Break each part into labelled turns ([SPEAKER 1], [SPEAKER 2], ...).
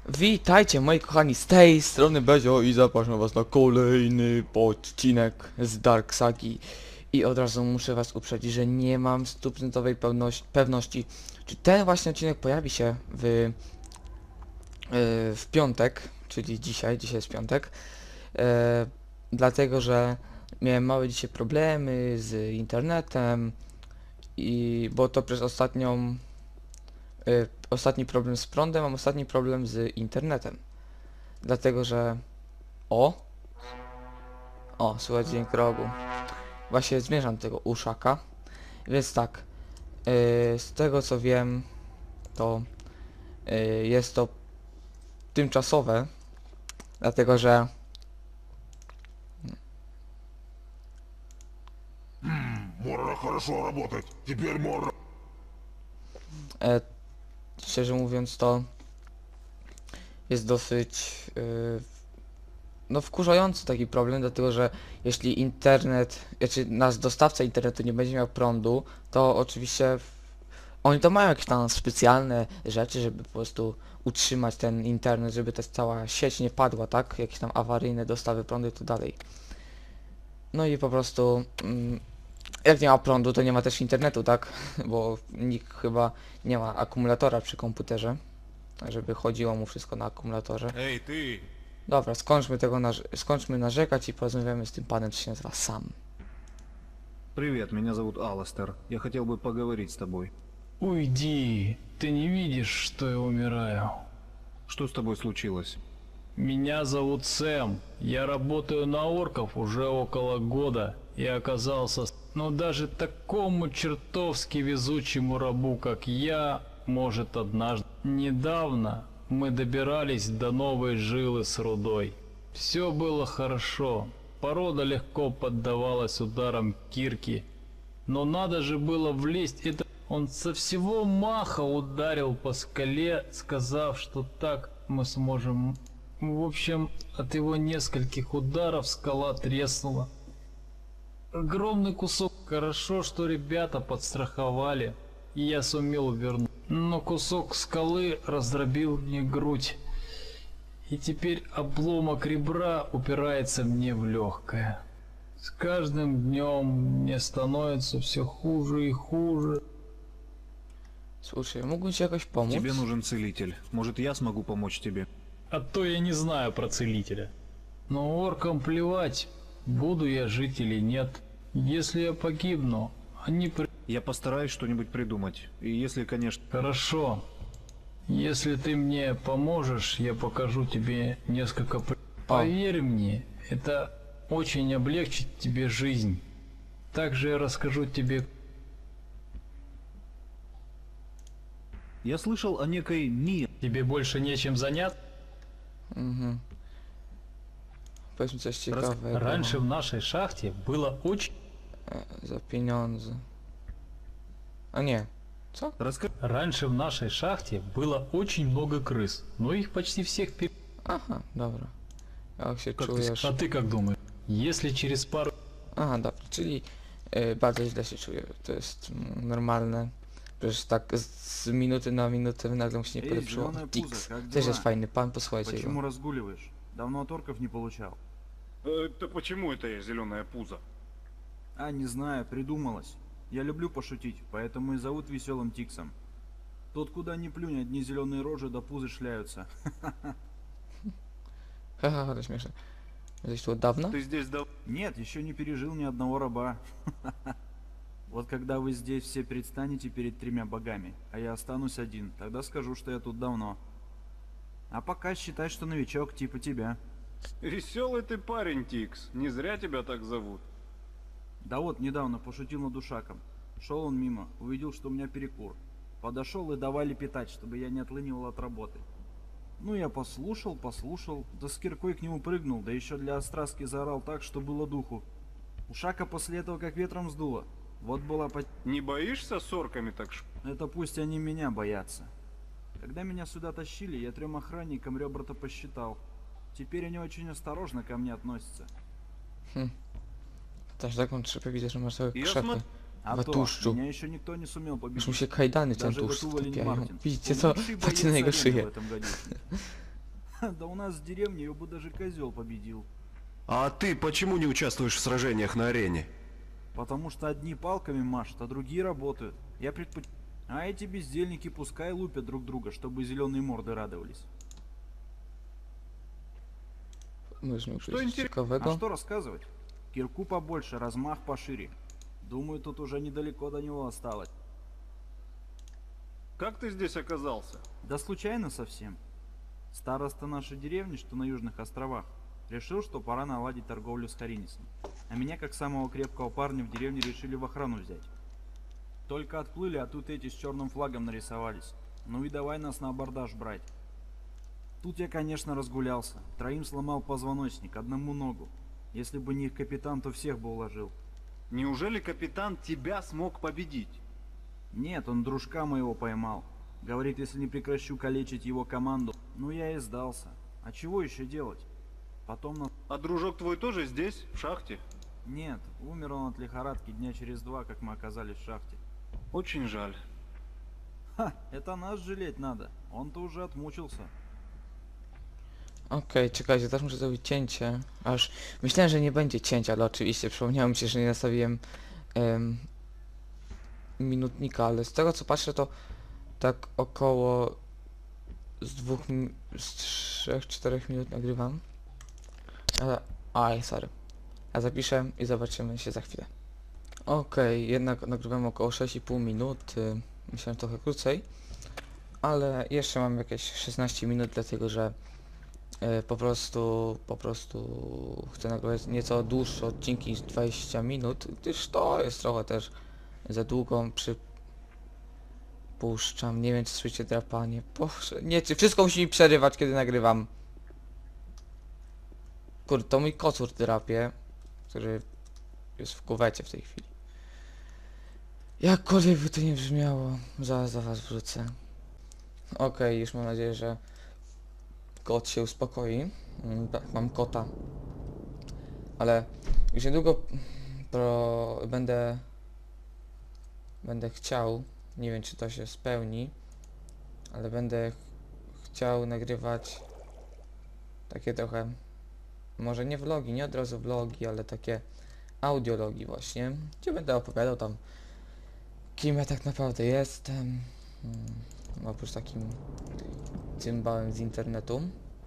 [SPEAKER 1] Witajcie moi kochani, z tej strony Bezio i zapraszam was na kolejny odcinek z Dark Sagi. I od razu muszę was uprzedzić, że nie mam stuprocentowej pewności, czy ten właśnie odcinek pojawi się w piątek, czyli dzisiaj jest piątek. Dlatego, że miałem małe dzisiaj problemy z internetem bo to przez ostatni problem z prądem, mam ostatni problem z internetem. Dlatego, że... Słychać dźwięk rogu. Właśnie zmierzam do tego uszaka. Więc tak, z tego co wiem, to jest to tymczasowe, dlatego że...
[SPEAKER 2] Морра, хорошо работать. Теперь Морра.
[SPEAKER 1] Szczerze mówiąc, to jest dosyć wkurzający taki problem, dlatego że jeśli nasz dostawca internetu nie będzie miał prądu, to oczywiście oni to mają jakieś tam specjalne rzeczy, żeby po prostu utrzymać ten internet, żeby ta cała sieć nie padła, tak? Jakieś tam awaryjne dostawy prądu i tak dalej. No i po prostu jak nie ma prądu, to nie ma też internetu, tak? Bo nikt chyba nie ma akumulatora przy komputerze, żeby chodziło mu wszystko na akumulatorze.
[SPEAKER 2] Эй, ты!
[SPEAKER 1] Dobra, skończmy narzekać i porozmawiamy z tym panem, co się nazywa Sam.
[SPEAKER 3] Привет, меня зовут Аластер. Я хотел бы поговорить с тобой.
[SPEAKER 4] Уйди, ты не видишь, что я умираю.
[SPEAKER 3] Что с тобой случилось?
[SPEAKER 4] Меня зовут Сэм, я работаю на орков уже около года и оказался, даже такому чертовски везучему рабу, как я, может однажды. Недавно мы добирались до новой жилы с рудой. Все было хорошо, порода легко поддавалась ударам кирки, но надо же было влезть. Он со всего маха ударил по скале, сказав, что так мы сможем. В общем, от его нескольких ударов скала треснула. Огромный кусок. Хорошо, что ребята подстраховали, и я сумел вернуть. Но кусок скалы раздробил мне грудь. И теперь обломок ребра упирается мне в легкое. С каждым днем мне становится все хуже и хуже.
[SPEAKER 1] Слушай, mógłbym ci jakoś pomóc?
[SPEAKER 3] Тебе нужен целитель. Может, я смогу помочь тебе?
[SPEAKER 4] А то я не знаю про целителя. Но оркам плевать, буду я жить или нет. Если я погибну, они...
[SPEAKER 3] Я постараюсь что-нибудь придумать. И если, конечно...
[SPEAKER 4] Хорошо. Если ты мне поможешь, я покажу тебе несколько... Поверь мне, это очень облегчит тебе жизнь. Также я расскажу тебе...
[SPEAKER 3] Я слышал о некой Ми.
[SPEAKER 4] Тебе больше нечем заняться?
[SPEAKER 1] Mhm. Powiedz mi coś ciekawego.
[SPEAKER 4] Раньше в нашей шахте было очень...
[SPEAKER 1] Za pieniądze. A nie. Co?
[SPEAKER 4] Раньше в нашей шахте было очень много крыс, но их почти всех
[SPEAKER 1] Aha, dobra. Jak się
[SPEAKER 4] Как
[SPEAKER 1] czujesz?
[SPEAKER 4] А ты как думаешь? Если через пару...
[SPEAKER 1] Aha, dobra, czyli bardzo źle się czuję. To jest normalne. Przecież tak z minuty na minutę nagle mu się nie
[SPEAKER 5] Эй,
[SPEAKER 1] polepszyło.
[SPEAKER 5] зелёная
[SPEAKER 1] Tix.
[SPEAKER 5] пузо, как
[SPEAKER 1] Też
[SPEAKER 5] дела?
[SPEAKER 1] jest fajny pan, posłuchajcie
[SPEAKER 5] Почему
[SPEAKER 1] go.
[SPEAKER 5] разгуливаешь? Давно от орков не получал.
[SPEAKER 2] Это почему это я зеленое пузо?
[SPEAKER 5] А, не знаю, придумалось. Я люблю пошутить, поэтому и зовут веселым Тиксом. Тут куда ни плюнь, одни зеленые рожи до пузы шляются.
[SPEAKER 1] Haha, to śmieszne. Jesteś tu od dawna?
[SPEAKER 2] Ты здесь дал...
[SPEAKER 5] Нет, еще не пережил ни одного раба. Вот когда вы здесь все предстанете перед тремя богами, а я останусь один, тогда скажу, что я тут давно. А пока считай, что новичок типа тебя.
[SPEAKER 2] Веселый ты парень, Тикс. Не зря тебя так зовут.
[SPEAKER 5] Да вот, недавно пошутил над ушаком. Шел он мимо, увидел, что у меня перекур. Подошел и давай лепетать, чтобы я не отлынивал от работы. Ну, я послушал, да с киркой к нему прыгнул, да еще для остраски заорал так, что было духу. Ушака после этого как ветром сдуло. Вот была
[SPEAKER 2] Не боишься с орками так
[SPEAKER 5] Это пусть они меня боятся. Когда меня сюда тащили, я 3 охранникам ребра-то посчитал. Теперь они очень осторожно ко мне относятся.
[SPEAKER 1] Też taką trzepę widzę, że masz całe
[SPEAKER 2] Ja
[SPEAKER 1] krzepy.
[SPEAKER 2] sma-
[SPEAKER 5] А
[SPEAKER 1] В
[SPEAKER 5] то,
[SPEAKER 1] тушчу.
[SPEAKER 5] меня еще никто не сумел
[SPEAKER 1] Już mu
[SPEAKER 5] победить.
[SPEAKER 1] się kajdany ten
[SPEAKER 5] Даже
[SPEAKER 1] tłuszcz
[SPEAKER 5] Гатула
[SPEAKER 1] wtopiają.
[SPEAKER 5] Мартин.
[SPEAKER 1] Widzicie
[SPEAKER 5] Он
[SPEAKER 1] co?
[SPEAKER 5] лучший
[SPEAKER 1] Patrzcie na
[SPEAKER 5] боец
[SPEAKER 1] jego
[SPEAKER 5] арены в
[SPEAKER 1] szyję.
[SPEAKER 5] этом гадюшнике. Да у нас в деревне ее бы даже козел победил.
[SPEAKER 6] А ты почему не участвуешь в сражениях на арене?
[SPEAKER 5] Потому что одни палками машут, а другие работают. А эти бездельники пускай лупят друг друга, чтобы зеленые морды радовались.
[SPEAKER 1] Можemy
[SPEAKER 2] Что
[SPEAKER 1] przejść
[SPEAKER 2] интересно?
[SPEAKER 5] А
[SPEAKER 1] ciekawego.
[SPEAKER 5] что рассказывать? Кирку побольше, размах пошире. Думаю, тут уже недалеко до него осталось.
[SPEAKER 2] Как ты здесь оказался?
[SPEAKER 5] Да случайно совсем. Староста нашей деревни, что на Южных островах, решил, что пора наладить торговлю с Харинисом. А меня, как самого крепкого парня, в деревне решили в охрану взять. Только отплыли, а тут эти с черным флагом нарисовались. Ну и давай нас на абордаж брать. Тут я, конечно, разгулялся. Троим сломал позвоночник, одному ногу. Если бы не их капитан, то всех бы уложил.
[SPEAKER 2] Неужели капитан тебя смог победить?
[SPEAKER 5] Нет, он дружка моего поймал. Говорит, если не прекращу калечить его команду. Ну я и сдался. А чего еще делать? Потом на...
[SPEAKER 2] А дружок твой тоже здесь, в шахте?
[SPEAKER 5] Нет, умер он от лихорадки дня через 2, как мы оказались в шахте.
[SPEAKER 2] Очень жаль.
[SPEAKER 5] Ха, это нас жалеть надо. Он-то уже отмучился.
[SPEAKER 1] Okej, czekajcie, teraz muszę zrobić cięcie. Aż myślałem, że nie będzie cięcia, ale oczywiście przypomniało mi się, że nie nastawiłem minutnika, ale z tego co patrzę, to tak około z 3-4 minut nagrywam. Aj, sorry. A zapiszę i zobaczymy się za chwilę. Okej, jednak nagrywam około 6,5 minut. Myślałem trochę krócej. Ale jeszcze mam jakieś 16 minut, dlatego że po prostu chcę nagrywać nieco dłuższe odcinki niż 20 minut, gdyż to jest trochę też za długo. Przypuszczam, nie wiem czy słyszycie drapanie. Boże, nie, czy wszystko musi mi przerywać kiedy nagrywam. Kurde, to mój kocur drapie, który jest w kuwecie w tej chwili. Jakkolwiek by to nie brzmiało, zaraz do was wrócę. Okej, już mam nadzieję, że kot się uspokoi. Tak, mam kota. Ale już niedługo będę chciał, nie wiem czy to się spełni, ale będę chciał nagrywać takie trochę, może nie vlogi, nie od razu vlogi, ale takie audiologi właśnie, gdzie będę opowiadał tam, kim ja tak naprawdę jestem, oprócz takim cymbałem z internetu.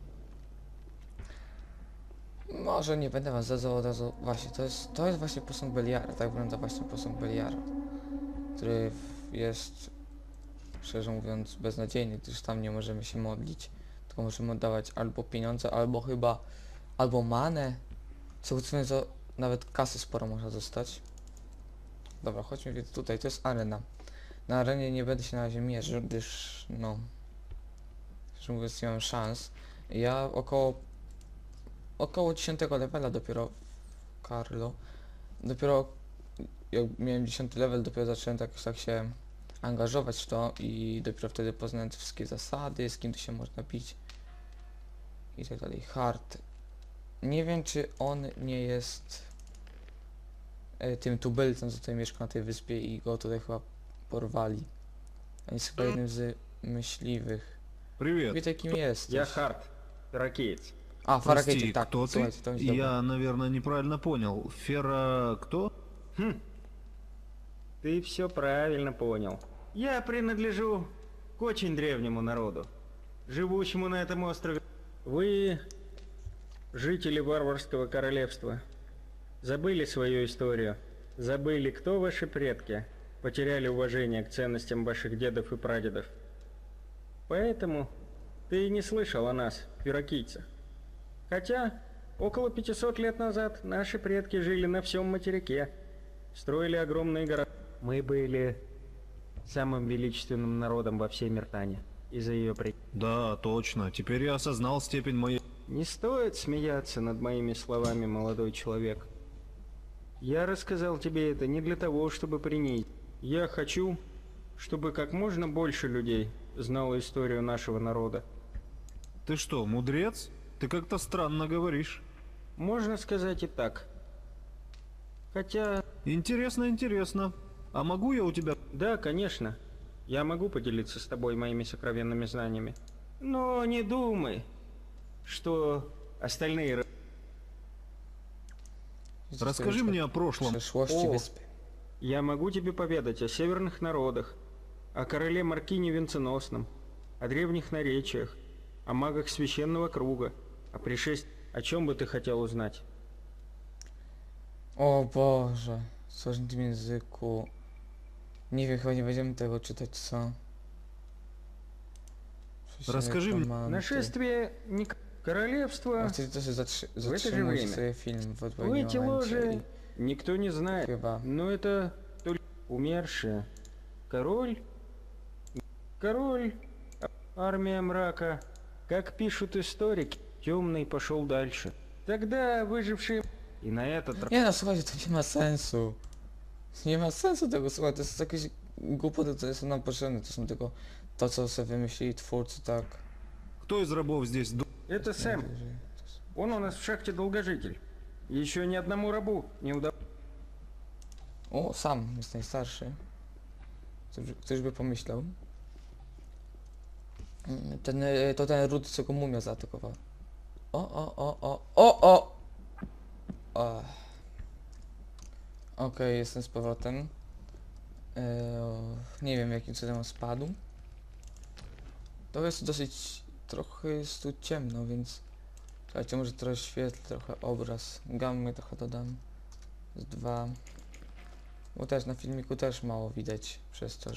[SPEAKER 1] Może nie będę was zadzał od razu. Właśnie, to jest właśnie posąg Beliara. Tak wygląda właśnie posąg Beliara, który jest, szczerze mówiąc, beznadziejny, gdyż tam nie możemy się modlić, tylko możemy oddawać albo pieniądze, albo manę. Co mówiąc, to nawet kasy sporo można dostać. Dobra, chodźmy więc tutaj, to jest arena. Na arenie nie będę się na razie mierzył, gdyż no, szczerze mówiąc nie mam szans. Ja około 10 levela dopiero Carlo. Dopiero jak miałem 10 level, dopiero zacząłem tak się angażować w to i dopiero wtedy poznałem te wszystkie zasady, z kim tu się można bić i tak dalej. Hard. Nie wiem czy on nie jest tym tubylcem, co tutaj mieszka na tej wyspie i go tutaj chyba porwali. On jest chyba jednym z myśliwych.
[SPEAKER 3] Привет.
[SPEAKER 1] Wiecie kim jest?
[SPEAKER 7] Я Харт, ракетец.
[SPEAKER 1] A,
[SPEAKER 3] Прости,
[SPEAKER 1] Faragate, tak,
[SPEAKER 3] кто ты?
[SPEAKER 1] słuchajcie, to jest dobre.
[SPEAKER 3] Я, наверное, неправильно понял. Фера... кто?
[SPEAKER 7] Ты все правильно понял. Я принадлежу к очень древнему народу, живущему на этом острове. Вы, жители варварского королевства, забыли свою историю, забыли, кто ваши предки, потеряли уважение к ценностям ваших дедов и прадедов. Поэтому ты и не слышал о нас, пирокийцах. Хотя, около 500 лет назад наши предки жили на всем материке, строили огромные города. Мы были самым величественным народом во всей Миртане из-за ее
[SPEAKER 3] Да, точно. Теперь я осознал степень моей...
[SPEAKER 7] Не стоит смеяться над моими словами, молодой человек. Я рассказал тебе это не для того, чтобы принизить. Я хочу, чтобы как можно больше людей знало историю нашего народа.
[SPEAKER 3] Ты что, мудрец? Ты как-то странно говоришь.
[SPEAKER 7] Можно сказать и так. Хотя...
[SPEAKER 3] Интересно, интересно. А могу я у тебя...
[SPEAKER 7] Да, конечно. Я могу поделиться с тобой моими сокровенными знаниями. Но не думай, что остальные...
[SPEAKER 3] Расскажи мне о прошлом.
[SPEAKER 1] Przyszłości
[SPEAKER 7] O.
[SPEAKER 1] wyspy.
[SPEAKER 7] Я могу тебе поведать о северных народах, о короле Маркине Венценосном, о древних наречиях, о магах священного круга, о пришествии. О чем бы ты хотел узнать?
[SPEAKER 1] O Boże, w słożnym języku. Nie wiem, chyba nie będziemy tego czytać, co?
[SPEAKER 3] Расскажи мне.
[SPEAKER 1] Komandy.
[SPEAKER 7] Нашествие королевства...
[SPEAKER 1] A wtedy to się
[SPEAKER 7] же
[SPEAKER 1] zatrzymuje
[SPEAKER 7] время.
[SPEAKER 1] sobie film w
[SPEAKER 7] В
[SPEAKER 1] odpowiednim
[SPEAKER 7] эти
[SPEAKER 1] momencie
[SPEAKER 7] ложи никто не
[SPEAKER 1] i
[SPEAKER 7] знает,
[SPEAKER 1] chyba...
[SPEAKER 7] но это только умершие. Король, армия мрака. Как пишут историки, темный пошел дальше. Тогда выжившие... И на этот раз...
[SPEAKER 1] Nie no, słuchajcie, to nie ma sensu. Nie ma sensu tego słuchać, to jest jakieś głupoty, które są nam potrzebne, to są tylko to, co sobie wymyślili twórcy, tak.
[SPEAKER 3] Кто из рабов здесь
[SPEAKER 7] Это Сэм. Он у нас в шахте долгожитель. Еще ни одному рабу не удалось.
[SPEAKER 1] O, sam jest najstarszy. Ktoś by pomyślał. To ten Rudy, co go mumia zaatakował. O! Okej, jestem z powrotem. Nie wiem, jakim cudem on spadł. To jest dosyć... Trochę jest tu ciemno, więc... Słuchajcie, może trochę świetlę, trochę obraz. Gammy trochę dodam. Z 2. Bo też na filmiku też mało widać przez to,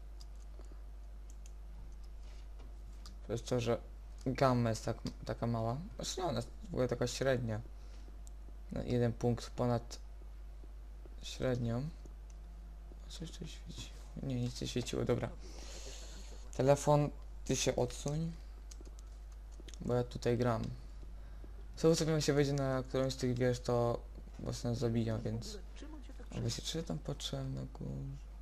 [SPEAKER 1] że gamma jest taka mała. Znaczy nie, ona jest w ogóle taka średnia. Na 1 punkt ponad średnią. Coś tu świeci. Nie, nic nie świeciło, dobra. Telefon, ty się odsuń. Bo ja tutaj gram. Co sobie jak się wejdzie na którąś z tych wież, to was nas zabiją, więc... A właśnie, czy tam patrzyłem na górze?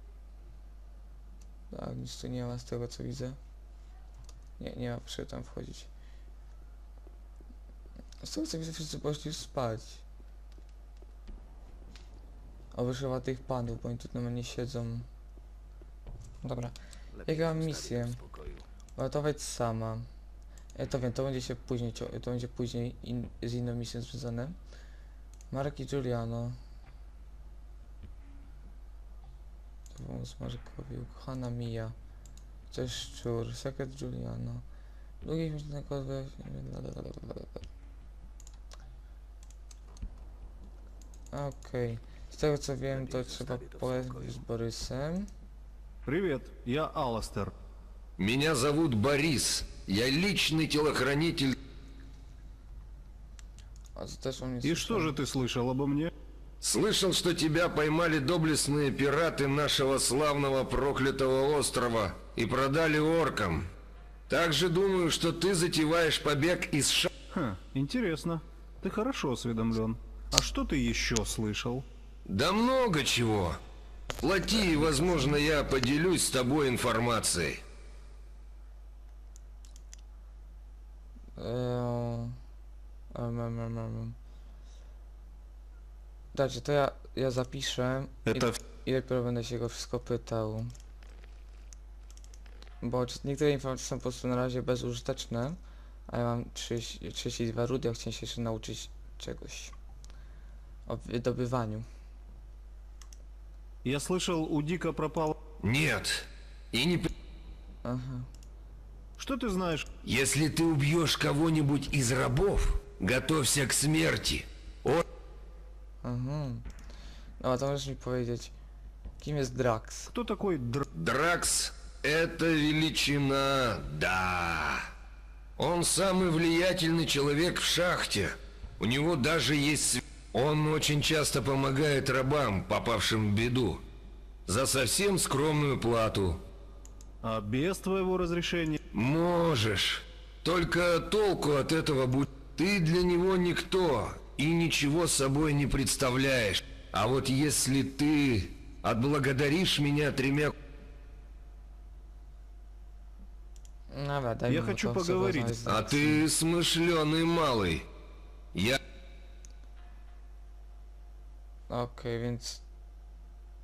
[SPEAKER 1] Tak, nic tu nie ma z tego, co widzę. Nie ma przy tam wchodzić. Z tego, co widzę, wszyscy poszli spać. Oby chyba tych panów, bo oni tu normalnie siedzą. Dobra. Jaką mam misję? Uratować sama. Ja to wiem, to będzie się później, to będzie później z inną misją związane. Marek i Giuliano. Wąs Markowi, ukochana Mia. Coś szczur, sekret Giuliano. Długich myślnego Okej. Z tego co wiem, to trzeba pogadać z Borysem.
[SPEAKER 3] Привет, я Алластер.
[SPEAKER 6] Меня зовут Борис. Я личный телохранитель.
[SPEAKER 1] A to też on jest.
[SPEAKER 3] И что же ты слышал обо мне?
[SPEAKER 6] Слышал, что тебя поймали доблестные пираты нашего славного проклятого острова и продали оркам. Также думаю, что ты затеваешь побег из
[SPEAKER 3] Интересно. Ты хорошо осведомлен. А что ты еще слышал?
[SPEAKER 6] Да много чего. Плати, и, возможно, я поделюсь с тобой информацией.
[SPEAKER 1] Dajcie, to ja zapiszę i dopiero będę się go wszystko pytał. Bo niektóre informacje są po prostu na razie bezużyteczne, a ja mam 32 rudy, a chciałem się jeszcze nauczyć czegoś o wydobywaniu.
[SPEAKER 3] Я слышал, у Дика пропал...
[SPEAKER 6] Нет. И не...
[SPEAKER 1] Aha.
[SPEAKER 3] Что ты знаешь?
[SPEAKER 6] Если ты убьешь кого-нибудь из рабов, готовься к смерти.
[SPEAKER 1] Aha. No to możesz mi powiedzieć, kim jest Drax?
[SPEAKER 3] Кто такой
[SPEAKER 6] Дракс — это величина, да. Он самый влиятельный человек в шахте. У него даже есть... Он очень часто помогает рабам, попавшим в беду. За совсем скромную плату.
[SPEAKER 3] А без твоего разрешения?
[SPEAKER 6] Можешь. Только толку от этого будет. Ты для него никто и ничего собой не представляешь. А вот если ты отблагодаришь меня 3...
[SPEAKER 1] Dobra, daj
[SPEAKER 3] Ja
[SPEAKER 1] mi
[SPEAKER 3] хочу
[SPEAKER 1] to, co
[SPEAKER 3] поговорить.
[SPEAKER 1] rozmawiać z
[SPEAKER 6] А
[SPEAKER 1] Draxem.
[SPEAKER 6] ты смышленый малый. Я...
[SPEAKER 1] Okej, więc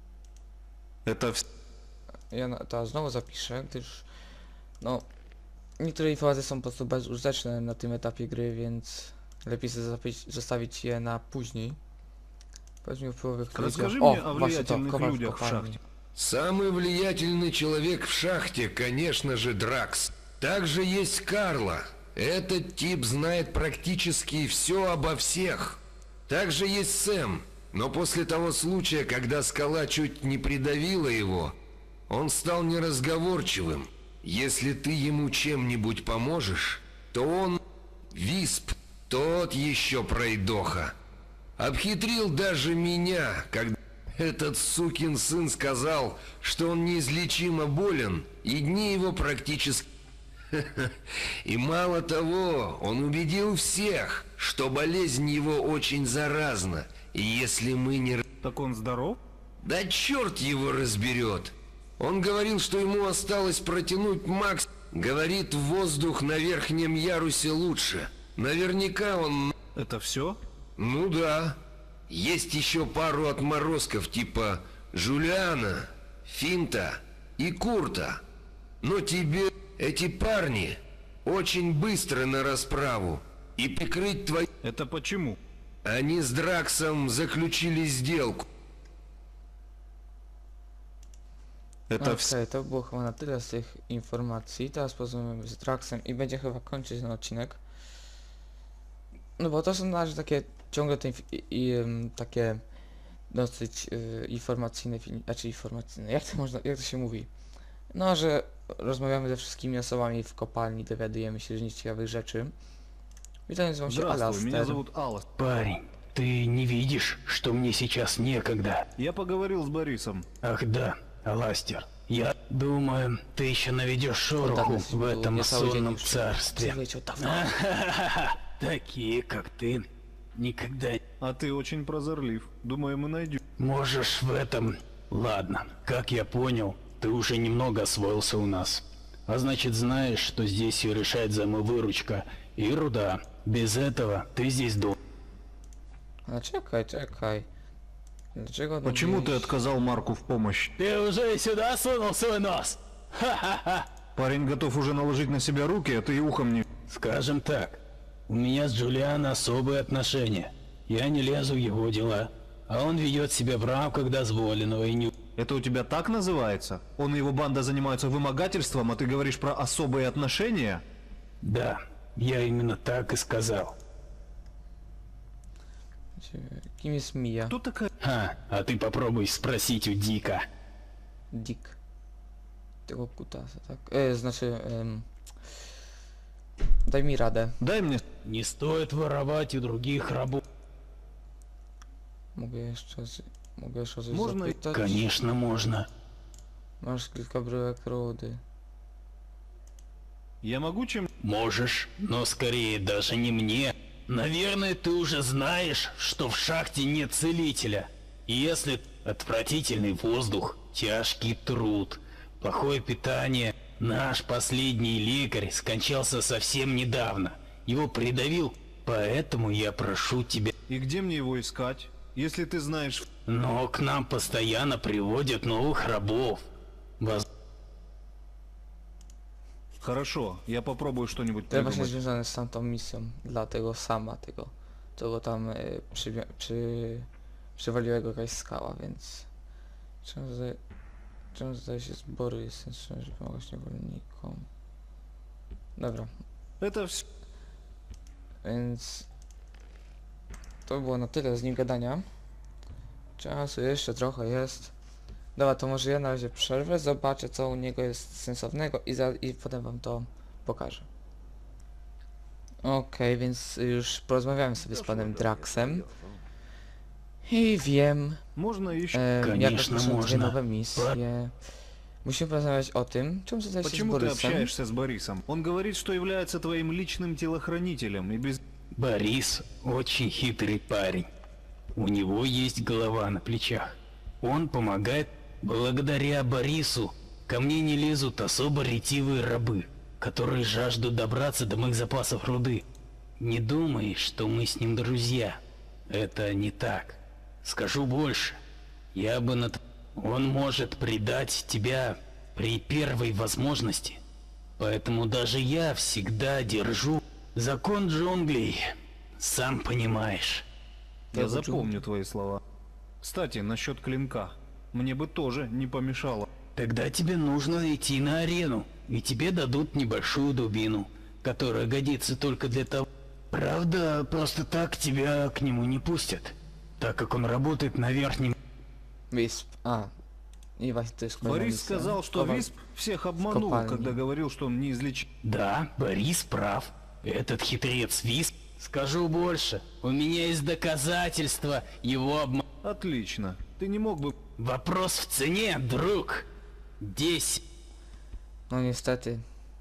[SPEAKER 3] Это
[SPEAKER 1] ja to znowu zapiszę, gdyż no niektóre informacje są po prostu bezużyteczne na tym etapie gry, więc lepiej sobie zostawić je na później. Powiedzmy o wpływowych
[SPEAKER 3] Расскажи
[SPEAKER 1] ludziach.
[SPEAKER 3] мне о
[SPEAKER 1] Właśnie to,
[SPEAKER 3] влиятельных
[SPEAKER 1] kowal w
[SPEAKER 3] людях в
[SPEAKER 1] kopalni.
[SPEAKER 3] шахте.
[SPEAKER 6] Самый влиятельный человек в шахте, конечно же, Дракс. Также есть Карла. Этот тип знает практически все обо всех. Также есть Сэм. Но после того случая, когда скала чуть не придавила его, он стал неразговорчивым. Если ты ему чем-нибудь поможешь, то он... Висп, тот еще пройдоха. Обхитрил даже меня, когда этот сукин сын сказал, что он неизлечимо болен, и дни его практически... И мало того, он убедил всех, что болезнь его очень заразна, и если мы не...
[SPEAKER 3] Так он здоров?
[SPEAKER 6] Да черт его разберет! Он говорил, что ему осталось протянуть макс... Говорит, воздух на верхнем ярусе лучше. Наверняка он...
[SPEAKER 3] Это все?
[SPEAKER 6] Ну да. Есть еще пару отморозков типа Жулиана, Финта и Курта. Но тебе эти парни очень быстро на расправу. И прикрыть твои...
[SPEAKER 3] Это почему?
[SPEAKER 6] Они с Драксом заключили сделку.
[SPEAKER 3] Это
[SPEAKER 1] Okej, to było chyba na tyle z tych informacji. Teraz porozmawiamy z Draxem i będzie chyba kończyć ten odcinek. No bo to są na razie takie ciągle te takie dosyć informacyjne filmy, znaczy informacyjne, jak to się mówi? No, że rozmawiamy ze wszystkimi osobami w kopalni, dowiadujemy się z ciekawych rzeczy. Witam, nazywam się
[SPEAKER 3] Здравствуй, меня
[SPEAKER 1] Alastair.
[SPEAKER 3] зовут Алластер.
[SPEAKER 4] Парень, ты не видишь, что мне сейчас некогда?
[SPEAKER 3] Я поговорил с Борисом.
[SPEAKER 4] Ах да, Аластер, я думаю, ты еще наведешь шороху
[SPEAKER 1] Данность
[SPEAKER 4] в
[SPEAKER 1] был
[SPEAKER 4] этом
[SPEAKER 1] не целый день
[SPEAKER 4] сонном
[SPEAKER 1] уже.
[SPEAKER 4] царстве.
[SPEAKER 1] Лечил давно.
[SPEAKER 4] Такие, как ты, никогда не
[SPEAKER 3] А ты очень прозорлив. Думаю, мы найдем.
[SPEAKER 4] можешь в этом... Ладно, как я понял, ты уже немного освоился у нас. А значит, знаешь, что здесь все решает взаимовыручка и руда. Без этого ты здесь должен.
[SPEAKER 1] A czekaj. Dlaczego
[SPEAKER 3] Почему ты
[SPEAKER 1] mówisz-
[SPEAKER 3] отказал Марку в помощь?
[SPEAKER 4] Ты уже и сюда сунул свой нос? Ха-ха-ха!
[SPEAKER 3] Парень готов уже наложить на себя руки, а ты и ухом не...
[SPEAKER 4] Скажем так, у меня с Джулианом особые отношения. Я не лезу в его дела, а он ведет себя в рамках дозволенного и не...
[SPEAKER 3] Это у тебя так называется? Он и его банда занимаются вымогательством, а ты говоришь про особые отношения?
[SPEAKER 4] Да, я именно так и сказал.
[SPEAKER 1] Kim jest Mia?
[SPEAKER 3] Кто такая?
[SPEAKER 4] А ты попробуй спросить у Дика.
[SPEAKER 1] Dick. Tego kutasa, tak? Znaczy... Daj mi radę.
[SPEAKER 3] Дай мне...
[SPEAKER 4] Не стоит воровать у других рабов.
[SPEAKER 1] Mogę jeszcze o coś
[SPEAKER 3] Można i-
[SPEAKER 1] zapytać?
[SPEAKER 4] Конечно, можно.
[SPEAKER 1] Masz kilka bryłek rudy.
[SPEAKER 3] Я могу чем...
[SPEAKER 4] Можешь, но скорее даже не мне. Наверное, ты уже знаешь, что в шахте нет целителя. И если отвратительный воздух, тяжкий труд, плохое питание... Наш последний лекарь скончался совсем недавно. Его придавил, поэтому я прошу тебя...
[SPEAKER 3] И где мне его искать? Если ты знаешь...
[SPEAKER 4] Но к нам постоянно приводят новых рабов.
[SPEAKER 3] Хорошо, я попробую что-нибудь
[SPEAKER 1] To właśnie
[SPEAKER 3] придумать.
[SPEAKER 1] związane z tamtą misją. Dla tego sama, tego tam przywaliła go jakaś skała, więc... Czemu zdaje się zbory jest sensowne, żeby pomagać niewolnikom? Dobra,
[SPEAKER 3] Это все...
[SPEAKER 1] więc... To było na tyle z nim gadania. Czasu jeszcze trochę jest. Dobra, to może ja na razie przerwę, zobaczę co u niego jest sensownego i potem wam to pokażę. Okej, więc już porozmawiałem sobie z panem Draxem. I wiem,
[SPEAKER 3] Можно еще...
[SPEAKER 1] jak
[SPEAKER 4] Конечно,
[SPEAKER 1] rozpocząć dwie
[SPEAKER 4] można.
[SPEAKER 1] nowe misje. Musimy porozmawiać o tym, czemu tutaj się z
[SPEAKER 3] Почему ты
[SPEAKER 1] Борисem.
[SPEAKER 3] общаешься с Борисом? Он говорит, что является твоим личным телохранителем, и без...
[SPEAKER 4] Борис очень хитрый парень. У него есть голова на плечах. Он помогает. Благодаря Борису ко мне не лезут особо ретивые рабы, которые жаждут добраться до моих запасов руды. Не думай, что мы с ним друзья. Это не так. Скажу больше. Я бы Он может предать тебя при первой возможности. Поэтому даже я всегда держу закон джунглей. Сам понимаешь.
[SPEAKER 3] Я
[SPEAKER 1] Я
[SPEAKER 3] запомню твои слова. Кстати, насчет клинка. Мне бы тоже не помешало.
[SPEAKER 4] Тогда тебе нужно идти на арену, и тебе дадут небольшую дубину, которая годится только для того. Правда, просто так тебя к нему не пустят, так как он работает на верхнем.
[SPEAKER 1] Висп. А. И Вася, ты
[SPEAKER 3] Борис сказал, что Висп всех обманул,
[SPEAKER 1] копальни.
[SPEAKER 3] когда говорил, что он неизлечим.
[SPEAKER 4] Да, Борис прав. Этот хитрец Висп. Скажу больше, у меня есть доказательства его обмана.
[SPEAKER 3] Отлично. Ты не мог бы...
[SPEAKER 4] Вопрос в цене, друг. 10.
[SPEAKER 1] No niestety.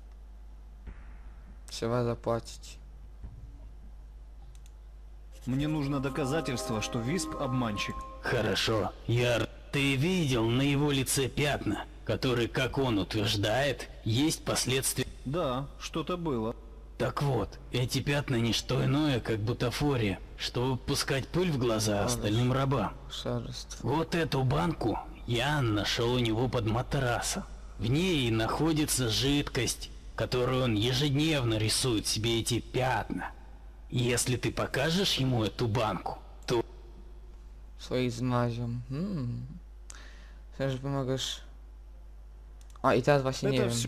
[SPEAKER 1] Trzeba zapłacić.
[SPEAKER 3] Мне нужно доказательство, что Висп обманщик.
[SPEAKER 4] Хорошо, Ты видел на его лице пятна, которые, как он утверждает, есть последствия.
[SPEAKER 3] Да, что-то было.
[SPEAKER 4] Так вот, эти пятна не что иное, как бутафория, чтобы пускать пыль в глаза остальным рабам.
[SPEAKER 1] Szarstwo.
[SPEAKER 4] Вот эту банку я нашел у него под матрасом. В ней находится жидкость, которую он ежедневно рисует себе эти пятна. Если ты покажешь ему эту банку, то...
[SPEAKER 1] Swoich z Mazią. Myślę, że pomagasz... A i teraz właśnie nie
[SPEAKER 3] Это
[SPEAKER 1] wiem.
[SPEAKER 3] всё.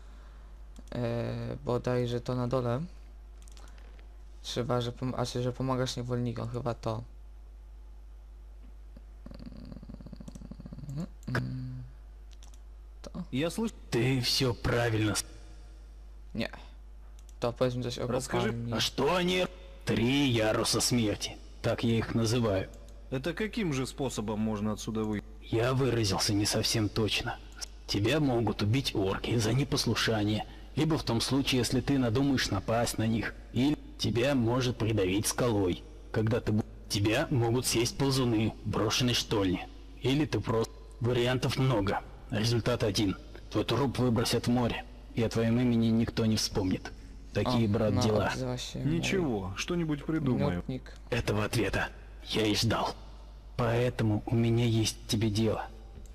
[SPEAKER 1] Bodajże to na dole. Trzeba, że pomagasz niewolnikom, chyba to.
[SPEAKER 3] Я слышу...
[SPEAKER 4] Ты все правильно.
[SPEAKER 1] Nie. To powiedzmy coś o
[SPEAKER 3] Расскажи.
[SPEAKER 1] kopalni.
[SPEAKER 4] А что они? 3 яруса смерти. Так я их называю.
[SPEAKER 3] Это каким же способом можно отсюда выйти?
[SPEAKER 4] Я выразился не совсем точно. Тебя могут убить орки за непослушание, либо в том случае, если ты надумаешь напасть на них, или тебя может придавить скалой, когда тебя могут съесть ползуны в брошенной штольне, или ты просто... Вариантов много. Результат один. Твой труп выбросят в море, и о твоем имени никто не вспомнит. Такие, брат,
[SPEAKER 1] no,
[SPEAKER 4] дела.
[SPEAKER 1] odzywa się
[SPEAKER 3] Ничего, что-нибудь
[SPEAKER 1] mój
[SPEAKER 3] придумаю.
[SPEAKER 1] minutnik.
[SPEAKER 4] Этого ответа я и ждал. Поэтому у меня есть к тебе дело.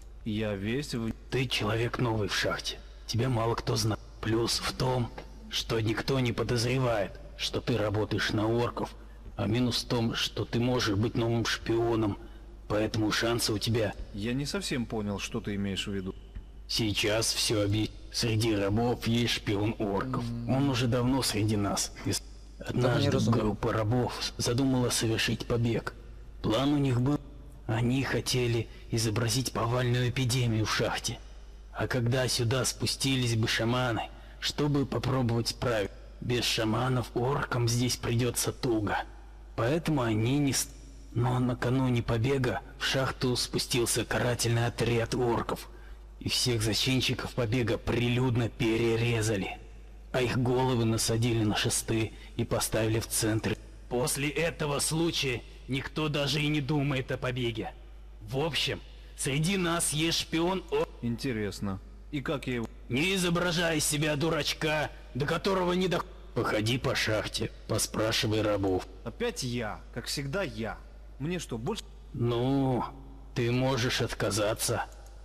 [SPEAKER 3] Я весь в...
[SPEAKER 4] Ты человек новый в шахте. Тебя мало кто знает. Плюс в том, что никто не подозревает, что ты работаешь на орков. А минус в том, что ты можешь быть новым шпионом. Поэтому шансы у тебя
[SPEAKER 3] Я не совсем понял, что ты имеешь в виду.
[SPEAKER 4] сейчас все объясню. Среди рабов есть шпион орков. Он уже давно среди нас. Однажды
[SPEAKER 1] разумею.
[SPEAKER 4] группа рабов задумала совершить побег. План у них был. Они хотели изобразить повальную эпидемию в шахте. А когда сюда спустились бы шаманы, чтобы попробовать справить, без шаманов оркам здесь придется туго. Поэтому они не... Но накануне побега в шахту спустился карательный отряд орков, и всех зачинщиков побега прилюдно перерезали, а их головы насадили на шесты и поставили в центре. После этого случая никто даже и не думает о побеге. В общем, среди нас есть шпион
[SPEAKER 3] Интересно. И как я его...
[SPEAKER 4] Не изображай из себя дурачка, до которого не до... Походи по шахте, поспрашивай рабов.
[SPEAKER 3] Опять я, как всегда я. Мне что, больше...
[SPEAKER 4] Ну, ты можешь отказаться.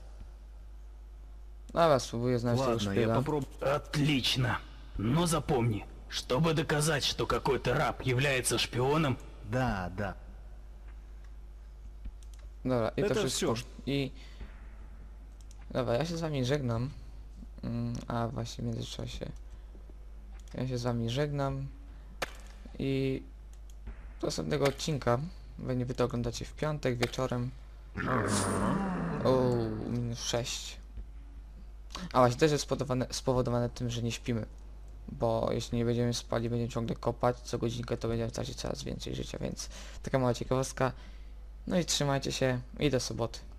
[SPEAKER 1] Dobra, spróbuję znaleźć tego
[SPEAKER 3] Ладно, я
[SPEAKER 1] szpiega.
[SPEAKER 3] попробую.
[SPEAKER 4] Отлично. Но запомни, чтобы доказать, что какой-то раб является шпионом,
[SPEAKER 3] Да, да.
[SPEAKER 1] Dobra, i to
[SPEAKER 3] To
[SPEAKER 1] wszystko.
[SPEAKER 3] wciąż.
[SPEAKER 1] I... Dobra, ja się z wami żegnam. A właśnie w międzyczasie. Ja się z wami żegnam. I... do następnego odcinka. Pewnie wy to oglądacie w piątek wieczorem. O, -6. A właśnie też jest spowodowane tym, że nie śpimy. Bo jeśli nie będziemy spali, będziemy ciągle kopać, co godzinkę to będziemy tracić coraz więcej życia, więc taka mała ciekawostka. No i trzymajcie się i do soboty.